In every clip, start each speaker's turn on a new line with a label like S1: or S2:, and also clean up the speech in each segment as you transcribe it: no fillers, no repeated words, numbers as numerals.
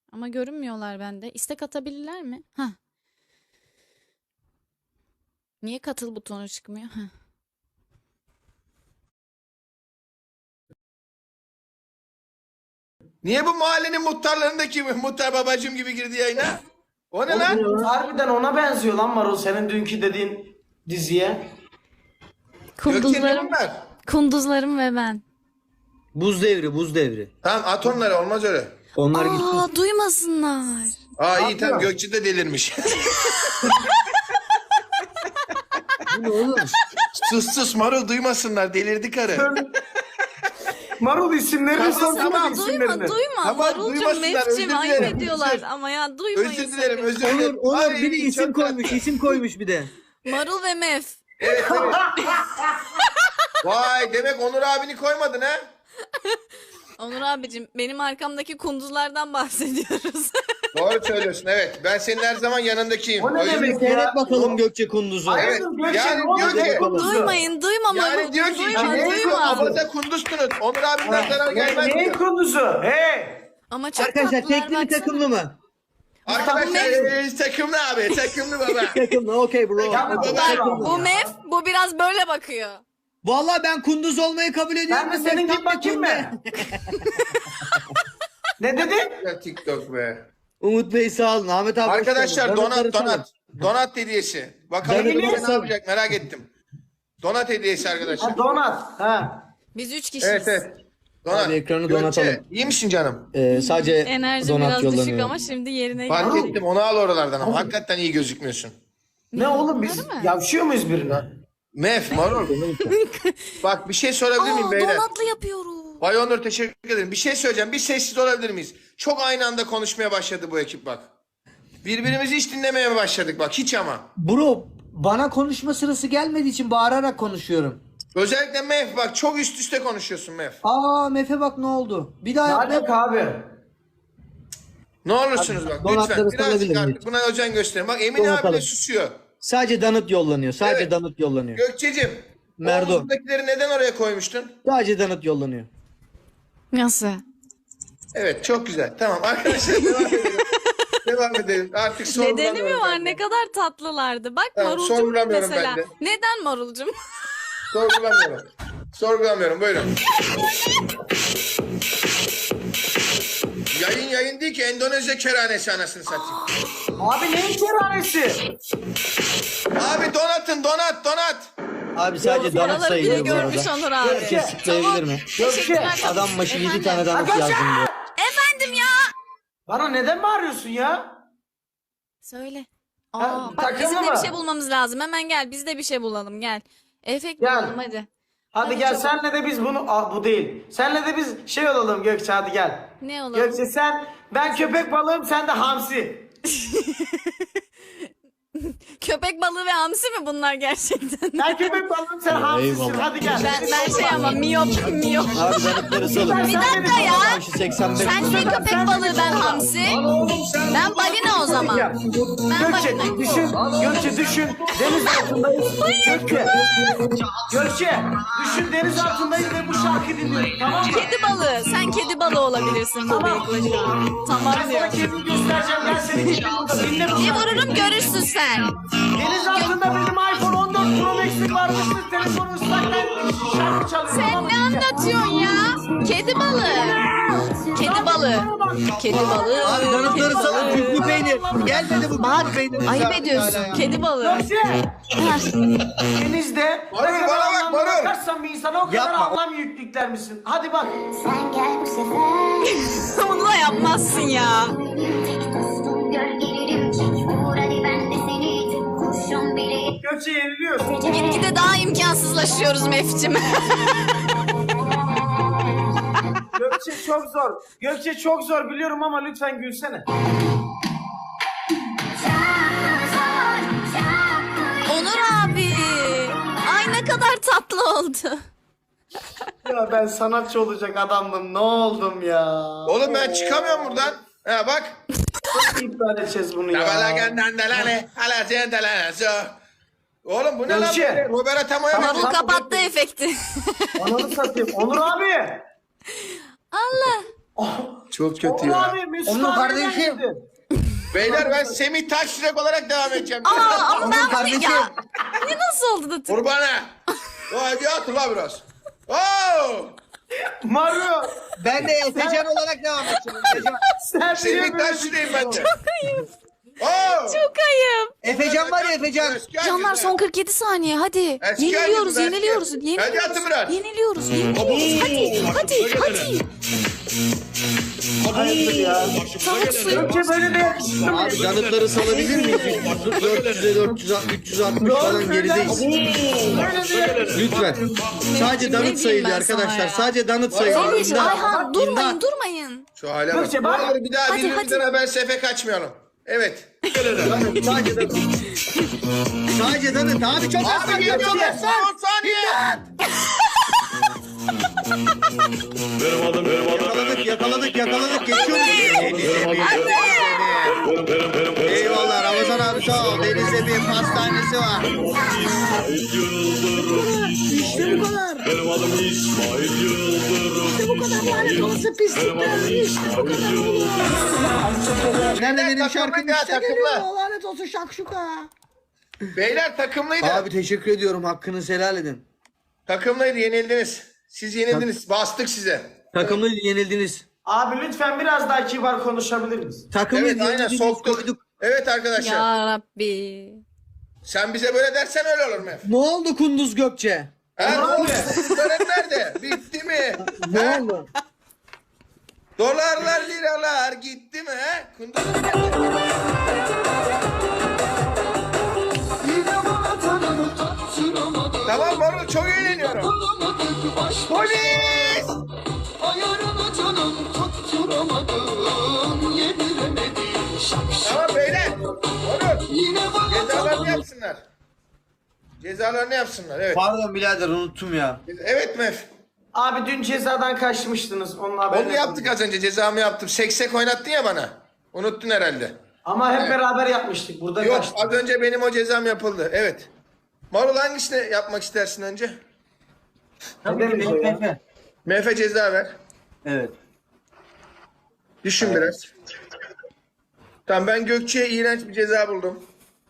S1: Ama görünmüyorlar bende. İstek atabilirler mi? Hah. Niye katıl butonu çıkmıyor? Hah.
S2: Niye bu mahallenin muhtarlarındaki muhtar babacım gibi girdi yayına? O ne lan?
S3: Oğlum, harbiden ona benziyor lan Marul, senin dünkü dediğin diziye.
S2: Gökçe ne
S1: Kunduzlarım,
S2: bunlar?
S1: kunduzlarım ve ben.
S4: Buz devri, buz devri.
S2: Tamam at onları, olmaz öyle.
S4: Onlar gitti.
S1: Aa, duymasınlar.
S2: Aa iyi tamam, Gökçe de delirmiş.
S4: Bu ne oğlum?
S2: sus Marul, duymasınlar, delirdi karı.
S3: Marul isimlerini
S2: Tamam,
S3: sorsana,
S2: tamam.
S3: isimlerini.
S1: Duyma.
S2: Tamam,
S1: Marulcum,
S2: duymasınlar,
S1: Mefcim
S2: özür
S1: ayıp
S2: dilerim.
S1: ediyorlar ama ya duymayın.
S2: Özür dilerim,
S1: sakın.
S2: özür dilerim.
S4: Onur
S2: Ay,
S4: bir de isim
S2: çok
S4: koymuş,
S2: tatlı.
S4: isim koymuş bir de.
S1: Marul ve Mef.
S2: Evet, evet. Vay, demek Onur abini koymadın ha?
S1: Onur abicim, benim arkamdaki kunduzlardan bahsediyoruz.
S2: Doğru söylüyorsun, evet. Ben senin her zaman yanındakiyim.
S3: O ne
S2: yüzden-
S3: demek?
S4: Seyret bakalım Gökçe Kunduz'u.
S3: Ay,
S2: Evet,
S3: Gökçe,
S2: yani
S3: ne oldu?
S2: diyor ki-
S1: Duymayın, duyma
S2: Yani
S1: Marulcum,
S2: diyor ki,
S1: duyma,
S2: ne diyor,
S1: duyma.
S2: abaza kunduzsunuz. Onur abimden zarar gelmez
S3: Neyin
S2: diyor.
S3: kunduzu? Hey!
S1: Ama çok
S4: Arkadaşlar
S1: tatlılar,
S4: tekli mi
S1: baksana.
S4: takımlı mı?
S2: Arkadaşlar takımlı abi, takımlı baba.
S4: Takımlı, okey bro.
S3: Takımlı,
S4: Okey,
S3: baba.
S4: takımlı.
S1: Bu Mef, bu biraz böyle bakıyor.
S4: Vallahi ben Kunduz olmayı kabul ediyorum.
S3: Ben de senin
S4: Tam
S3: gibi bakayım
S4: bir
S3: mı? Ne dedin?
S2: Ya TikTok be.
S4: Umut Bey sağ olun. Ahmet abi hoş
S2: Arkadaşlar
S4: geldin.
S2: donat
S4: Donatları
S2: donat. Donat hediyesi. Bakalım
S4: Donat
S2: Gökçe ne
S4: hediyesi.
S2: yapacak, merak ettim. Donat hediyesi arkadaşlar.
S3: Ha, donat. Ha.
S1: Biz 3 kişiyiz.
S2: Evet evet. Donat.
S4: Abi ekranı
S2: Gökçe,
S4: donatalım.
S2: iyi misin canım?
S4: Sadece
S1: Enerji
S4: donat
S1: biraz düşük
S4: yollanıyor.
S1: ama şimdi yerine
S2: Fark
S1: geldi.
S2: ettim, onu al oralardan ama hakikaten iyi gözükmüyorsun.
S3: Ne oğlum, biz
S1: Bunları mı?
S3: yavşıyor muyuz birine?
S2: Mef, Marul. Bak bir şey sorabilir miyim
S1: Aa,
S2: beyler?
S1: donatlı yapıyorum.
S2: Bay Onur teşekkür ederim. Bir şey söyleyeceğim. Bir sessiz olabilir miyiz? Çok aynı anda konuşmaya başladı bu ekip bak. Birbirimizi hiç dinlemeye başladık bak, hiç ama.
S4: Bro bana konuşma sırası gelmediği için bağırarak konuşuyorum.
S2: Özellikle Mef bak, çok üst üste konuşuyorsun Mef.
S4: Aa Mefe bak ne oldu? Bir daha
S3: Ne
S4: yap.
S3: alaka abi?
S2: Ne olursunuz bak
S4: donatları
S2: lütfen birazcık
S4: sorabilir
S2: artık
S4: miyiz?
S2: buna özen gösterin. Bak Emin abi
S4: Donatalım.
S2: de susuyor.
S4: Sadece danıt yollanıyor. Sadece
S2: Evet.
S4: danıt yollanıyor.
S2: Gökçe'cim
S4: Merdo.
S2: omuzdakileri neden oraya koymuştun?
S4: Sadece danıt yollanıyor.
S1: Nasıl?
S2: Evet çok güzel. Tamam arkadaşlar devam edelim. Devam edelim. Artık
S1: Nedeni
S2: sorgulamıyorum.
S1: mi var?
S2: ben de.
S1: Ne kadar tatlılardı. Bak
S2: Tamam,
S1: Marulcum
S2: sorgulamıyorum
S1: mesela.
S2: ben de.
S1: Neden Marulcum?
S2: Sorgulamıyorum. Sorgulamıyorum, buyurun. Yayın değil ki, Endonezya kerhanesi anasını satayım.
S3: Abi neyin kerhanesi?
S2: Abi donatın, donat.
S4: Abi sadece danıt
S1: Paraları biri
S4: sayılıyor bu
S1: görmüş
S4: arada.
S1: Onur abi.
S4: Herkes sıklayabilir mi?
S1: Teşekkürler.
S4: Adam başı 7
S1: Efendim?
S4: tane danıt
S3: Arkadaşlar!
S4: yazdım diyor.
S1: Efendim ya.
S3: Bana neden bağırıyorsun ya?
S1: Söyle.
S3: Ha,
S1: Aa, bak
S3: takımlı
S1: bizim de
S3: mı?
S1: bir şey bulmamız lazım. Hemen gel, biz de bir şey bulalım, gel. Efekt
S3: Gel.
S1: bulalım hadi.
S3: Hadi
S1: Hadi
S3: gel,
S1: çabuk.
S3: senle de biz bunu... Aa, bu değil. Senle de biz şey olalım Gökçe, hadi gel.
S1: Ne olalım?
S3: Gökçe ben köpek balığım, sen de hamsi.
S1: Köpek balığı ve hamsi mi bunlar gerçekten?
S3: Ben köpek balığım, sen hamsisin,
S4: eyvallah.
S3: hadi gel.
S1: Ben şey ama miyop.
S4: Abi danıtları salın.
S1: Bir dakika ya.
S4: Başı 85.
S1: Sen şey köpek balığı, ben hamsi. Ben balina o zaman.
S3: Ya,
S1: Ben
S3: Gökçe
S1: balina.
S3: düşün, Gökçe düşün, deniz altındayız. Gökçe düşün, deniz altındayız ve bu şarkı dinliyoruz, tamam mı?
S1: Kedi balığı. Sen kedi balığı olabilirsin bu bıyıkla şu an. Tamam
S3: Ben
S1: diyor.
S3: sana kendimi göstereceğim, ben seni kedim burada, dinle bu
S1: Bir
S3: şarkıyı.
S1: vururum görürsün sen.
S3: Deniz altında benim iPhone 14 Pro Max'im varmıştı, telefonu ıslak, ben şarkı çalıyorum.
S1: Sen
S3: tamam mı?
S1: ne anlatıyorsun ya? Kedi balığı. Kedi balığı. Kedi balığı.
S4: Abi danıtları salın. Küflü peynir. Gelmedi bu
S1: Bak,
S4: küflü peynir.
S1: ayıp ediyorsun. Kedi balığı.
S3: Gökçe, denizde
S2: Marul,
S3: ne kadar
S2: bana bak,
S3: anlamlı
S2: Marul.
S3: bakarsan bir insana o kadar
S4: Yapma.
S3: anlam yüklükler misin? Hadi bak.
S5: Sen gel bu sefer.
S1: Bunu da yapmazsın ya.
S5: Tek dostum gör gelirim. Vur hadi ben de seni. Kurşun bile
S3: Gökçe yeniliyorsun.
S1: Gitgide daha imkansızlaşıyoruz Mefcim.
S3: Gökçe çok zor. Gökçe çok zor biliyorum ama lütfen gülsene.
S1: Onur abi. Ay ne kadar tatlı oldu.
S3: Ya ben sanatçı olacak adamdım. Ne oldum ya?
S2: Oğlum ben çıkamıyorum buradan. Ha bak.
S3: Nasıl iptal edeceğiz bunu ya?
S2: Oğlum bu ne lan
S3: Gökçe.
S2: böyle? Robert Atamo'ya
S1: Marul
S2: benziyor.
S1: kapattı efekti.
S3: Ananı satayım. Onur abi.
S1: Allah.
S3: Oh,
S2: Çok kötü
S3: Oğlum
S2: ya.
S3: abi Mesut
S4: Onun
S3: abi
S4: kardeşi.
S3: geldi.
S2: Beyler ben Semih Taşyürek olarak devam edeceğim.
S1: Ama
S4: Onun
S1: ben
S4: kardeşi.
S1: ya. Ne nasıl oldu da
S2: Kurbana. Vay bir atın la biraz. Oo!
S3: Mario
S4: Ben de Efecan olarak devam edeceğim. Efecan.
S3: sen niye
S2: Semih
S3: böyle
S2: Taşyürek'im ben de.
S1: ayıp.
S2: Oo!
S1: Çok ayıp.
S4: Efecan var ya Efecan.
S2: Eski
S1: Canlar
S2: herkes
S1: son
S2: ha.
S1: 47 saniye hadi.
S2: Eski
S1: Yeniliyoruz,
S2: herkes,
S1: yeniliyoruz,
S2: eski.
S1: yeniliyoruz.
S2: Hadi atın biraz.
S1: Yeniliyoruz, yeniliyoruz. Hadi.
S3: Hayırdır ya?
S1: Tavuk suyu.
S3: Gökçe böyle de yakıştı mı?
S4: Abi danıtları salabilir miyiz? 400'e 360 falan gerideyiz. Lütfen. Sadece
S1: Ne
S4: danıt
S1: diyeyim
S4: sayılıyor
S1: ben sana
S4: arkadaşlar.
S1: ya?
S4: Sadece danıt sayılıyor.
S1: Zeliş,
S4: İmdat.
S1: Ayhan durmayın,
S4: İmdat.
S1: durmayın.
S2: Şu hale bak.
S3: Gökçe,
S2: Ne
S3: bak.
S2: olur bir daha
S1: Hadi,
S2: birbirimizden
S1: hadi.
S2: haber sefe kaçmayalım. Evet.
S4: Sadece danıt. Sadece danıt. Abi çok az
S2: Abi
S4: var.
S2: geliyor
S4: Çok
S2: lan.
S4: az.
S2: Son saniye.
S4: Yakaladık. Geçiyoruz. Eyvallah Ramazan abi sağ ol. Denizde bir pastanesi var. İşte bu kadar.
S6: Benim adım İsmail Yıldırım.
S4: İşte bu kadar lanet olası pislikler. İşte bu kadar. Nerede benim şarkım
S2: Takımlı ya,
S4: işte
S2: takımlı.
S4: geliyor. Lanet olsun şakşuka.
S2: Beyler takımlıydı.
S4: Abi teşekkür ediyorum. Hakkınızı helal edin.
S2: Takımlıydı yenildiniz. Siz yenildiniz. Bastık size.
S4: Takımlı yenildiniz.
S3: Abi lütfen biraz daha kibar konuşabilir miyiz?
S4: Takımlı
S2: Evet aynen
S4: yenildiniz.
S2: soktuk.
S4: Koyduk.
S2: Evet arkadaşlar.
S1: Ya Rabbi.
S2: Sen bize böyle dersen öyle olur mu?
S4: Ne oldu Kunduz Gökçe?
S2: Ha, ne
S3: Olur
S2: oldu? Tören nerede? Bitti mi?
S4: Ne
S2: Ha?
S4: oldu?
S2: Dolarlar liralar gitti mi? Ha? Kunduz nerede? Tamam Marul çok eğleniyorum. Polis!
S7: Ayarını canım tutturamadım, yediremedim şapşal.
S2: Tamam beyler. Marul
S7: Yine bana
S2: cezalarını yapsınlar. Cezalarını yapsınlar evet.
S4: Pardon birader unuttum ya.
S2: Evet Mef.
S3: Abi dün cezadan kaçmıştınız. Onun haberini
S2: Onu yaptık az önce cezamı yaptım. Seksek oynattın ya bana. Unuttun herhalde.
S3: Ama hep beraber yapmıştık. Burada
S2: Yok
S3: kaçtık.
S2: az önce benim o cezam yapıldı. Evet. Marul hangisini yapmak istersin önce?
S3: Ne demek o ya?
S4: Efe.
S2: Mef'e ceza ver.
S4: Evet.
S2: Düşün biraz. Tamam ben Gökçe'ye iğrenç bir ceza buldum.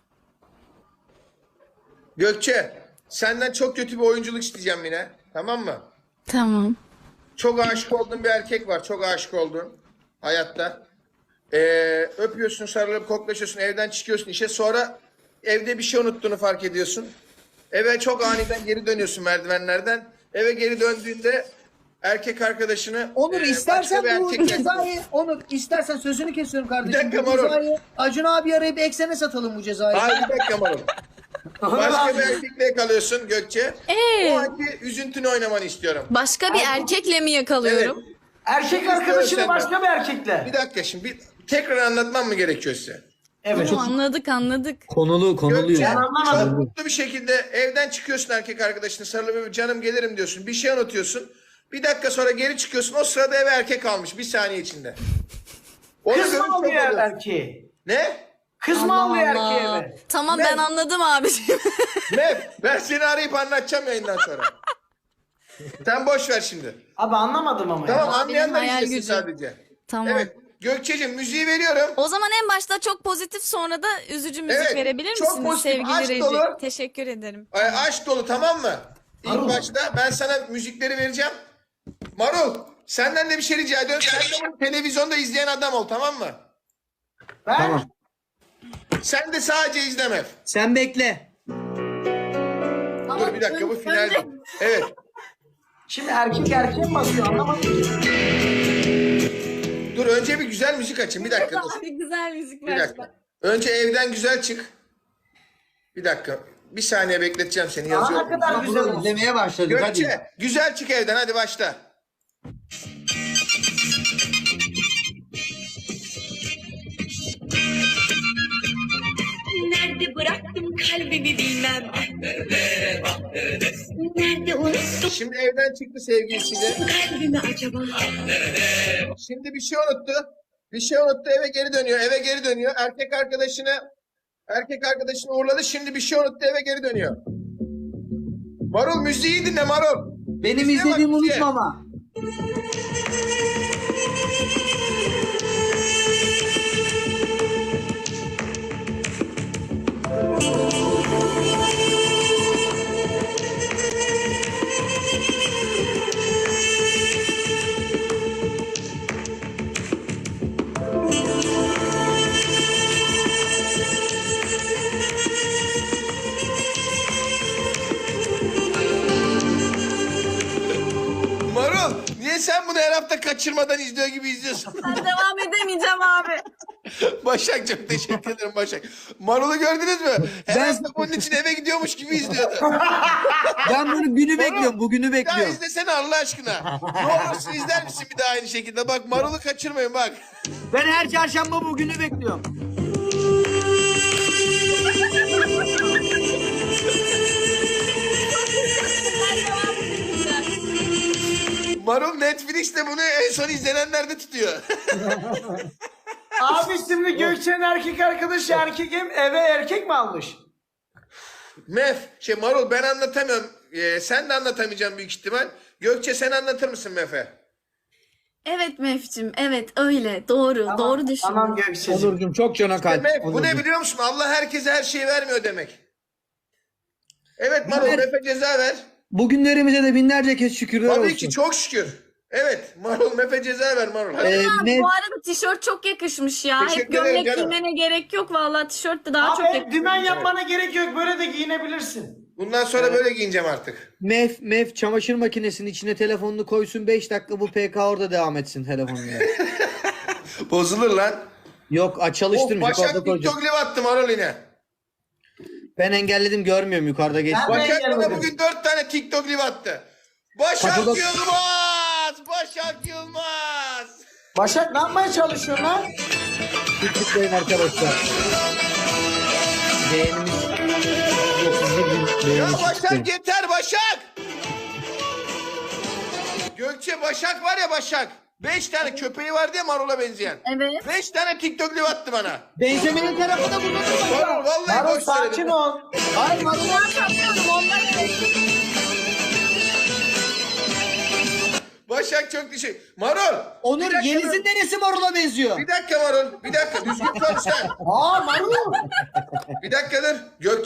S2: Gökçe senden çok kötü bir oyunculuk isteyeceğim yine. Tamam mı?
S1: Tamam.
S2: Çok aşık olduğun bir erkek var. Çok aşık olduğun hayatta. Öpüyorsun, sarılıp koklaşıyorsun, evden çıkıyorsun işe. Sonra evde bir şey unuttuğunu fark ediyorsun. Eve çok aniden geri dönüyorsun merdivenlerden. Eve geri döndüğünde erkek arkadaşını
S4: Onur istersen
S2: başka bir
S4: bu
S2: erkekle-
S4: cezayı Onur istersen sözünü kesiyorum kardeşim.
S2: Bir dakika,
S4: Bu
S2: Marul.
S4: cezayı Acun abi arayıp eksene satalım bu cezayı.
S2: Hayır bir dakika Marul. Başka bir erkekle kalıyorsun Gökçe. O anki üzüntünü oynamanı istiyorum.
S1: Başka bir erkekle mi
S2: Evet.
S1: yakalıyorum?
S3: Erkek arkadaşını
S2: senden.
S3: başka bir erkekle.
S2: Bir dakika şimdi tekrar anlatmam mı gerekiyor size?
S3: Evet.
S1: Anladık.
S4: Konulu
S2: Gökçe
S3: Ben anlamadım.
S2: çok mutlu bir şekilde evden çıkıyorsun erkek arkadaşını sarılıp canım gelirim diyorsun. Bir şey unutuyorsun. Bir dakika sonra geri çıkıyorsun. O sırada eve erkek almış bir saniye içinde. Onu
S3: Kız
S2: görüp
S3: mı
S2: çok
S3: alıyor
S2: oluyorsun.
S3: erkeği?
S2: Ne?
S3: Kız mı alıyor erkeği
S1: Allah.
S3: eve?
S1: Tamam
S2: Ne?
S1: ben anladım abiciğim.
S2: Ne? Ben seni arayıp anlatacağım yayından sonra. Sen boş ver şimdi.
S3: Abi anlamadım ama
S2: Tamam
S3: ya.
S2: anlayanlar
S1: hayal
S2: izlesin
S1: gücü.
S2: sadece.
S1: Tamam.
S2: Evet. Gökçe'cim müziği veriyorum.
S1: O zaman en başta çok pozitif sonra da üzücü müzik
S2: Evet,
S1: verebilir
S2: çok
S1: misiniz
S2: pozitif,
S1: sevgili
S2: aşk
S1: Reji?
S2: dolu.
S1: Teşekkür ederim.
S2: Aşk dolu tamam mı? İlk başta ben sana müzikleri vereceğim. Marul senden de bir şey rica ediyorum. Sen de bunu televizyonda izleyen adam ol tamam mı?
S3: Ben
S4: Tamam.
S2: Sen de sadece izleme.
S4: Sen bekle.
S2: Dur bir dakika bu final. Evet.
S3: şimdi erkek erkeğe mi basıyor anlamadım ki.
S2: Dur önce bir güzel müzik açın. Bir dakika dur.
S1: Abi güzel müzik
S2: Bir dakika. Önce evden güzel çık. Bir dakika. Bir saniye bekleteceğim seni
S3: Aa, ne
S2: yazıyorum.
S3: kadar güzel oldu.
S4: İzlemeye başladık hadi.
S2: Gökçe güzel çık evden hadi başla.
S8: Nerede bıraktım kalbimi bilmem. Nerede unuttum
S2: Şimdi evden çıktı sevgilisiyle.
S8: kalbimi acaba?
S2: Şimdi bir şey unuttu. Bir şey unuttu eve geri dönüyor. Eve geri dönüyor. Erkek arkadaşını uğurladı. Şimdi bir şey unuttu eve geri dönüyor. Marul müziği dinle Marul.
S4: Benim
S2: Müziğe bak,
S4: izlediğimi
S2: müziğe.
S4: unutma ama.
S2: kaçırmadan izliyor gibi izliyorsun.
S1: Ben devam edemeyeceğim abi.
S2: Başak çok teşekkür ederim Başak. Marul'u gördünüz mü? Herhalde bunun için eve gidiyormuş gibi izliyordu.
S4: Ben bunu günü bekliyorum. Bugünü
S2: Ya
S4: bekliyorum.
S2: izlesene Allah aşkına. Ne olursun izler misin bir daha aynı şekilde? Bak Marul'u kaçırmayın bak.
S4: Ben her çarşamba bugünü bekliyorum.
S2: Marul Netflix'te bunu en son izlenenlerde tutuyor.
S3: Abi şimdi Gökçe'nin erkek arkadaşı erkekim eve erkek mi almış?
S2: Marul ben anlatamıyorum. Sen de anlatamayacaksın büyük ihtimal. Gökçe sen anlatır mısın Mef'e?
S1: Evet Mef'cim, evet öyle. Doğru, doğru düşündün.
S3: Tamam Gökçe'cim.
S4: Onurcuğum çok cana kalp.
S2: Mef bu ne
S4: Onurcuğum.
S2: biliyor musun? Allah herkese her şeyi vermiyor demek. Evet Marul Mef'e ceza ver.
S4: Bugünlerimize de binlerce kez şükürler olsun.
S2: Tabii ki çok şükür. Evet Marul Mef'e ceza ver Marul. Hadi.
S4: Mef,
S1: Bu arada tişört çok yakışmış ya.
S2: Teşekkür
S1: Hep gömlek
S2: ederim canım.
S1: giymene gerek yok. Vallahi tişört de daha çok
S3: Abi
S1: yakışmış.
S3: dümen yapmana gerek yok. Böyle de giyinebilirsin.
S2: Bundan sonra böyle giyineceğim artık.
S4: Mef çamaşır makinesinin içine telefonunu koysun 5 dakika bu PK orada devam etsin telefonuyla.
S2: Bozulur lan.
S4: Yok çalıştırmayacak
S2: Başak
S4: orada koyacak.
S2: TikTok live attı Marul yine.
S4: Ben engelledim görmüyorum yukarıda geç.
S3: Ben-
S2: Başak bana
S3: gelmedim.
S2: bugün 4 tane TikTok live attı. Başak
S4: Kapıda-
S2: Yılmaz! Başak Yılmaz!
S3: Başak ne yapmaya çalışıyorsun lan?
S4: Tıklayın arkadaşlar. Beğenimiz.
S2: Ya Başak yeter Başak! Gökçe Başak var ya Başak. 5 tane köpeği vardı ya Marul'a benzeyen.
S1: Evet.
S2: 5 tane TikTok live attı bana.
S4: Benjamin'in tarafı da burada.
S2: Marul vallahi
S3: Marul
S2: boş
S3: sakin
S2: söyledim.
S3: ol.
S4: Hayır
S1: Ben yapıyorum ondan
S2: Başak çok teşekkür. Marul!
S4: Onur
S2: bir dakika
S4: Yeliz'in
S2: dur.
S4: neresi Marul'a benziyor?
S2: Bir dakika Marul. Bir dakika düzgün konuş sen.
S3: Aa Marul.
S2: Bir dakika dur.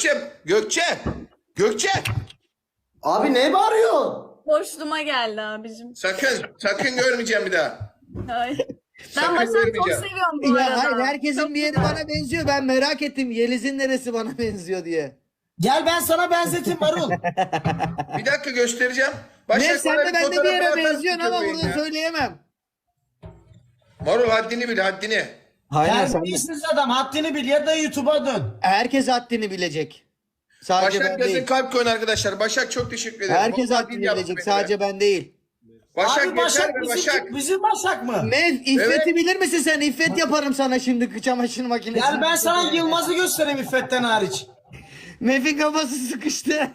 S2: Gökçe.
S3: Abi ne bağırıyorsun?
S1: boşluğuma geldi abicim.
S2: Sakın görmeyeceğim bir daha.
S1: Ay. Ben
S2: Sakın
S1: Başak'ı çok
S2: vermeyeceğim.
S1: seviyorum bu
S4: Ya
S1: arada.
S4: hayır herkesin bir yeri bana benziyor. Ben merak ettim Yeliz'in neresi bana benziyor diye.
S3: Gel ben sana benzeteyim Marul.
S2: Bir dakika göstereceğim.
S4: Ne sen
S2: bana
S4: de bende bir
S2: fotoğrafını
S4: yere
S2: atarsın
S4: benziyorsun ama
S2: köpeğin
S4: burada
S2: ya.
S4: söyleyemem.
S2: Marul haddini bil haddini.
S4: Hayır sen de.
S3: Terbiyesiz adam haddini bil ya da YouTube'a dön.
S4: Herkes haddini bilecek. Sadece
S2: Başak
S4: ben
S2: yazın
S4: değil.
S2: kalp koyun arkadaşlar. Başak çok teşekkür ederim.
S4: Herkes
S2: Vallahi
S4: haddini
S2: bil yaptı
S4: bilecek.
S2: beni
S4: Sadece ben değil.
S2: Başak
S3: Abi
S2: yeter
S3: Başak
S2: be
S3: bizim,
S2: Başak.
S3: bizim Başak mı?
S4: Mev İffet'i
S2: Evet.
S4: bilir misin sen? İffet yaparım sana şimdi çamaşır makinesi.
S3: Gel ben sana Yılmaz'ı göstereyim İffet'ten hariç.
S4: Mev'in kafası sıkıştı.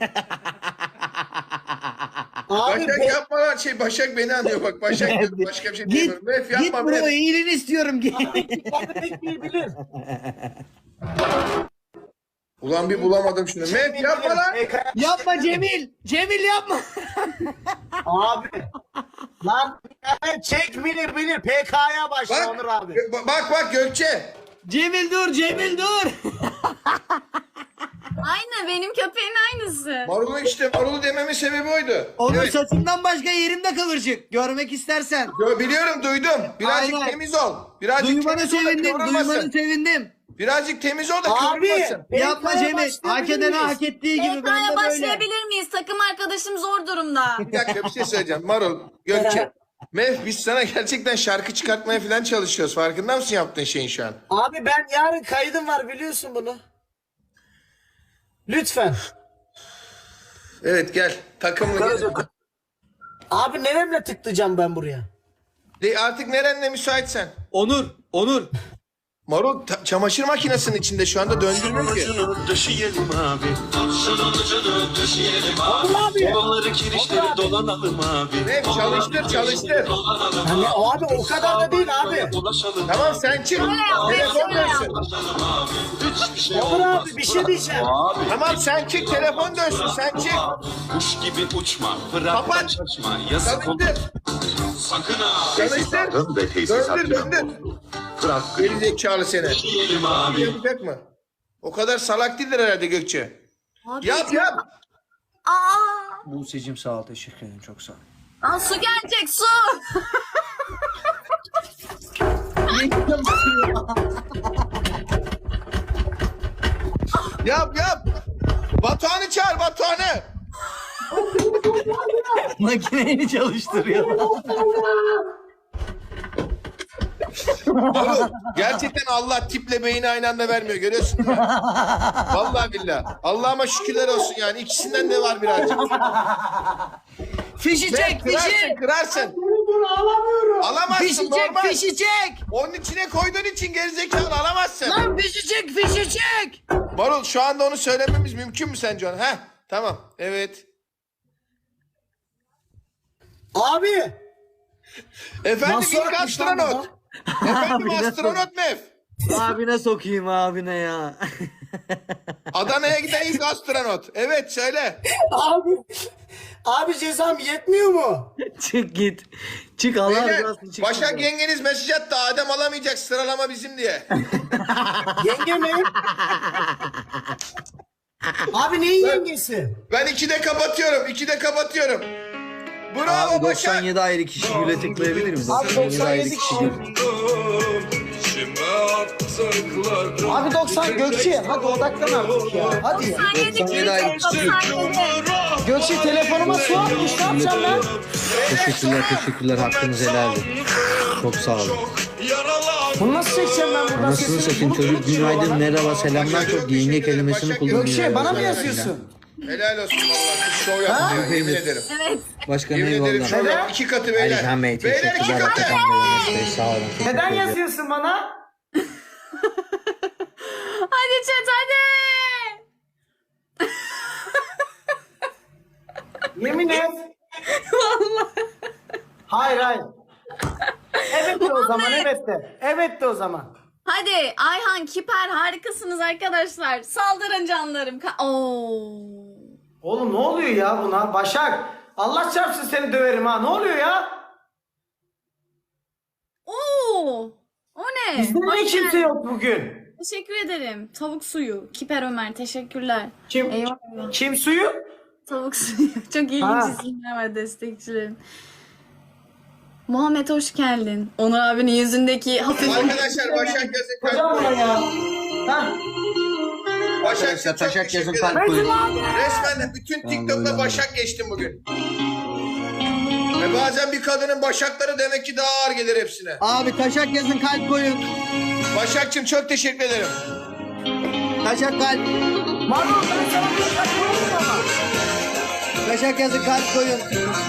S3: Abi
S2: Başak yapma lan Başak beni anlıyor bak. Başak diyor, başka bir şey
S4: git
S2: diyemiyorum. Mef
S4: git
S2: yapma
S4: buraya
S2: Mef.
S4: iyiliğini istiyorum. Git.
S3: kendi pek iyi bilir.
S2: Ulan bir bulamadım şunu. Mef yapma lan.
S4: Yapma Cemil. Cemil yapma.
S3: Abi. Lan çek bilir PK'ya başla
S2: Bak,
S3: Onur abi.
S2: bak Gökçe.
S4: Cemil dur Cemil dur.
S1: Aynı benim köpeğin aynısı.
S2: Marul'u dememin sebebi oydu.
S4: Onun
S2: Evet.
S4: saçından başka yerimde kıvırcık. Görmek istersen.
S2: Biliyorum duydum. Birazcık
S4: Aynen.
S2: temiz ol. Birazcık
S4: Duymana
S2: temiz ol da
S4: sevindim.
S2: kıvrılmasın.
S4: Duymanı sevindim.
S2: Birazcık temiz ol da
S3: Abi.
S2: kıvrılmasın.
S4: Yapma
S3: PK'ya
S4: Cemil. Hak edene hak ettiği gibi ben
S1: PK'ya
S4: de böyle.
S1: başlayabilir miyiz? Takım arkadaşım zor durumda.
S2: Bir dakika bir şey söyleyeceğim. Marul, Gökçe. Mef biz sana gerçekten şarkı çıkartmaya falan çalışıyoruz. Farkında mısın yaptığın şeyin şu an?
S3: Abi ben yarın kaydım var biliyorsun bunu. Lütfen.
S2: Evet gel. Takımla gel.
S3: Abi neremle tıklayacağım ben buraya?
S2: Artık nerenle müsaitsen.
S4: Onur.
S2: Marul çamaşır makinesinin içinde şu anda döndürmüyor ki.
S6: Döşeyelim abi. Şunun ucunu döşeyelim abi.
S3: Abi.
S6: Ovaları kirişleri dolanalım abi.
S2: Mef çalıştır.
S3: Yani abi o kadar da değil abi.
S6: Ulaşalım.
S2: Tamam sen çık. Telefon dönsün.
S6: Hiçbir şey
S3: Onur
S6: olmaz.
S3: abi bir şey diyeceğim.
S6: Abi.
S2: Tamam sen çık telefon dönsün sen çık.
S6: Kuş gibi uçma. Bırak
S2: Kapat.
S6: kaçma. Yazık olur.
S2: Çalıştır.
S6: Sakın ha.
S2: Çalıştır. Döndür.
S6: Bırak.
S2: Gerizekalı seni.
S6: Döşeyelim abi.
S2: Yapacak mı? O kadar salak değildir herhalde Gökçe.
S1: Abi,
S2: Yap.
S1: Aa,
S4: Buse'cim sağ ol teşekkür ederim çok sağ ol.
S1: aa, su gelecek su.
S2: Yap. Batuhan'ı çağır Batuhan'ı.
S4: Makineyi çalıştırıyor.
S2: Oğlum, gerçekten Allah tiple beyni aynı anda vermiyor. Görüyorsun değil mi? Vallahi billahi. Allah'ıma şükürler olsun yani. İkisinden de var birazcık.
S4: Fişi çek,
S2: Kırarsın,
S4: fişi.
S2: kırarsın.
S3: Dur alamıyorum.
S2: Alamazsın
S4: Fişi çek,
S2: normal.
S4: fişi çek.
S2: Onun içine koyduğun için gerizekalı alamazsın.
S4: Lan fişi çek, fişi çek.
S2: Marul şu anda onu söylememiz mümkün mü sence ona? Heh, tamam. Evet.
S3: Abi.
S2: Efendim
S3: Nasıl
S2: ilk
S3: yapmış lan
S2: astronot. Efendim astronot Mef.
S4: Abine sokayım abine ya.
S2: Adana'ya giden ilk astronot. Evet söyle.
S3: Abi cezam yetmiyor mu?
S4: Çık git. Çık Allah
S2: Beyler,
S4: razı olsun çık.
S2: Başak yengeniz mesaj attı. Adem alamayacak sıralama bizim diye.
S3: Yenge mi? Abi neyin yengesi?
S2: Ben 2'de kapatıyorum. 2'de kapatıyorum. Bravo
S4: Abi
S2: Başak.
S4: 97 ayrı kişi güle tıklayabilir mi?
S3: Abi 97
S4: kişi.
S3: kişi.
S6: İçime attıklarım.
S3: Abi 90 Gökçe hadi odaklan artık ya. Hadi ya.
S4: 97 ayrı kişi.
S3: Gökçe telefonuma su atmış ne yapacağım ben?
S4: Teşekkürler hakkınızı helal edin. Çok sağ olun.
S3: Bunu nasıl çekeceğim ben buradan
S4: Anasını
S3: sesini?
S4: satayım
S3: Bunu
S4: çocuk
S3: tutuyor
S4: günaydın
S3: bana.
S4: merhaba selamlar
S2: Başak,
S4: çok
S2: çok
S4: yenge
S2: teşekkür ederim.
S4: kelimesini
S2: Başak,
S4: kullanıyor.
S3: Gökçe bana mı
S4: ya.
S3: yazıyorsun?
S2: Helal olsun vallahi. Kız şov yaptı ya. Yemin ederim.
S4: Başkanım
S2: Yemin ederim
S4: eyvallah.
S2: şov yaptı. 2 katı beyler.
S4: Alihan Bey
S2: Beyler 2
S4: teşekkürler
S2: katı.
S4: Atakan Bey Enes Bey sağ olun. Teşekkür
S3: Neden
S4: ediyorum.
S3: yazıyorsun bana?
S1: Hadi chat hadi.
S3: Yemin et. Vallahi. Hayır. Evet de o zaman evet de. Evet de o zaman.
S1: Hadi Ayhan, Kiper harikasınız arkadaşlar. Saldırın canlarım. Oo.
S3: Oğlum ne oluyor ya buna? Başak. Allah çarpsın seni döverim ha. Ne oluyor ya?
S1: Oo. O ne?
S3: Bizde niye
S1: Hoş
S3: kimse
S1: geldin.
S3: yok bugün?
S1: Teşekkür ederim. Tavuk suyu. Kiper Ömer teşekkürler.
S3: Kim?
S1: Eyvallah.
S3: Kim suyu?
S1: Tavuk suyu. Çok ilginç
S3: Ha.
S1: isimler var destekçilerim. Muhammed hoş geldin. Onur abinin yüzündeki hafif...
S2: Arkadaşlar Başak yazın
S3: Hocam
S2: kalp
S3: buna
S2: koyun.
S3: ya. Ha?
S2: Başak
S4: Arkadaşlar
S2: çok
S4: taşak
S2: teşekkür
S4: yazın
S2: ederim.
S4: kalp koyun.
S2: Resmen de bütün TikTok'ta Başak geçtim bugün. Ve bazen bir kadının başakları demek ki daha ağır gelir hepsine.
S4: Abi taşak yazın kalp koyun.
S2: Başakçım çok teşekkür ederim.
S4: Taşak kalp.
S3: Marlon ben sana bir şey koyayım ama.
S4: Taşak yazın kalp koyun.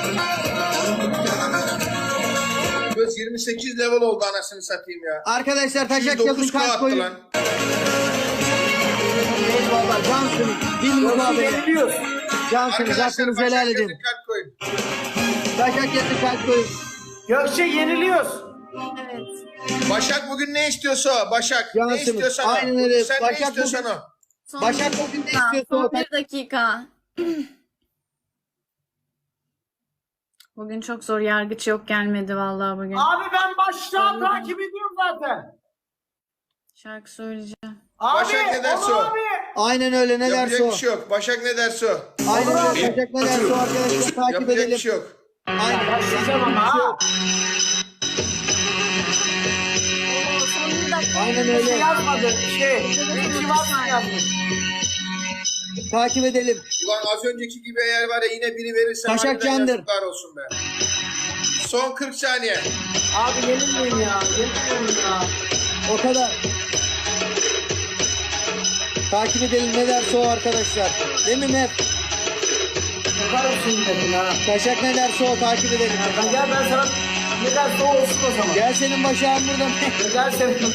S2: Göz 28 level oldu anasını satayım ya.
S4: Arkadaşlar taşak yazın
S2: 9K
S4: kalp
S2: attı
S4: koyun.
S2: lan.
S4: Eyvallah cansınız. Bilmiyorum abi.
S3: Yeniliyoruz.
S4: Cansınız
S2: Arkadaşlar
S4: hakkınızı
S2: Başak
S4: helal
S2: yazın
S4: edin.
S2: kalp koyun.
S4: Taşak yazın kalp koyun.
S3: Gökçe yeniliyoruz.
S1: Evet.
S2: Başak bugün ne istiyorsa o. Başak ne
S4: Cansınız.
S2: istiyorsan o.
S4: Aynen öyle.
S2: Sen
S4: Başak
S2: ne istiyorsan
S4: bugün-
S2: o.
S1: Son
S4: Başak
S1: bir
S4: bugün ne
S1: dakika,
S4: istiyorsa
S1: son
S4: o.
S1: bir dakika. Bugün çok zor. Yargıç yok gelmedi vallahi bugün.
S3: Abi ben başlığa takip ediyorum zaten.
S1: Şarkı söyleyeceğim.
S3: Abi,
S2: Başak ne derse
S3: Onur
S2: o.
S3: abi.
S4: Aynen öyle ne derse
S2: Yapacak
S4: o.
S2: bir şey yok. Başak ne derse o.
S4: Aynen öyle. Taşak ne derse o arkadaşlar takip
S2: Yapacak
S4: edelim.
S2: bir şey yok.
S4: Aynen.
S3: Başlayacağım ama ha.
S1: Son bir dakika.
S4: Aynen
S3: Bir şey
S4: öyle.
S3: yazmadı. Belki Watson yazmış.
S4: Takip edelim.
S2: Ulan az önceki gibi eğer var ya yine biri verirse
S4: Taşak
S2: harbiden
S4: candır.
S2: yazıklar olsun be. Son 40 saniye.
S3: Abi yenilmeyin ya. Yenilmeyin ya.
S4: O kadar. Takip edelim ne derse o arkadaşlar. Değil mi Mef?
S3: Yakarım senin dedin ha.
S4: Taşak ne derse o takip edelim.
S3: Gel ben sana ne derse o olsun o zaman.
S4: Gel senin başağın burada.
S3: Gel senin.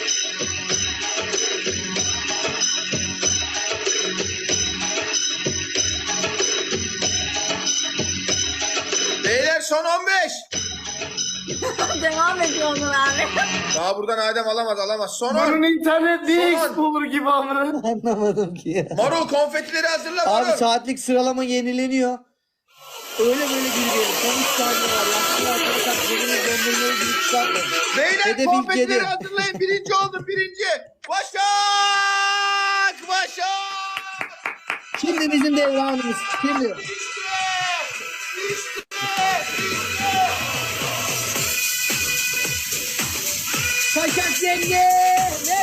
S2: Beyler son 15.
S1: Devam ediyor Onur abi.
S2: Daha buradan Adem alamaz. Son 10.
S3: Bunun internet niye
S2: Son.
S3: exp olur gibi amına.
S4: Anlamadım ki ya.
S2: Marul konfetileri hazırla
S4: Abi
S2: Marul.
S4: saatlik sıralama yenileniyor. Öyle böyle girmeyelim. Son 3 saniye var. Yaşlı arkadaşlar biriniz döndürmeyi bir çıkartmayın.
S2: Beyler
S4: Hedef ilk
S2: konfetileri
S4: yedi.
S2: hazırlayın. Birinci oldum birinci. Başak.
S4: Şimdi bizim devranımız. Şimdi. Taşak yenge. Ne?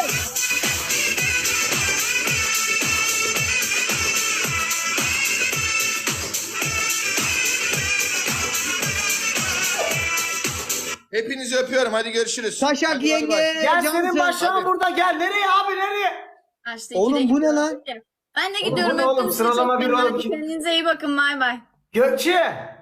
S2: Hepinizi öpüyorum. Hadi görüşürüz.
S4: Taşak
S2: Hadi bay
S4: yenge.
S2: bay.
S3: Gel
S4: cansın.
S3: senin başına burada gel. Nereye abi nereye?
S4: Oğlum bu ne lan?
S9: Ben de
S3: Oğlum,
S9: gidiyorum.
S3: bu ne oğlum?
S9: Öptüm sizi
S3: Sıralama
S9: çok.
S3: bir oğlum.
S9: Kendinize iyi bakın. Bay bay.
S3: Gökçe.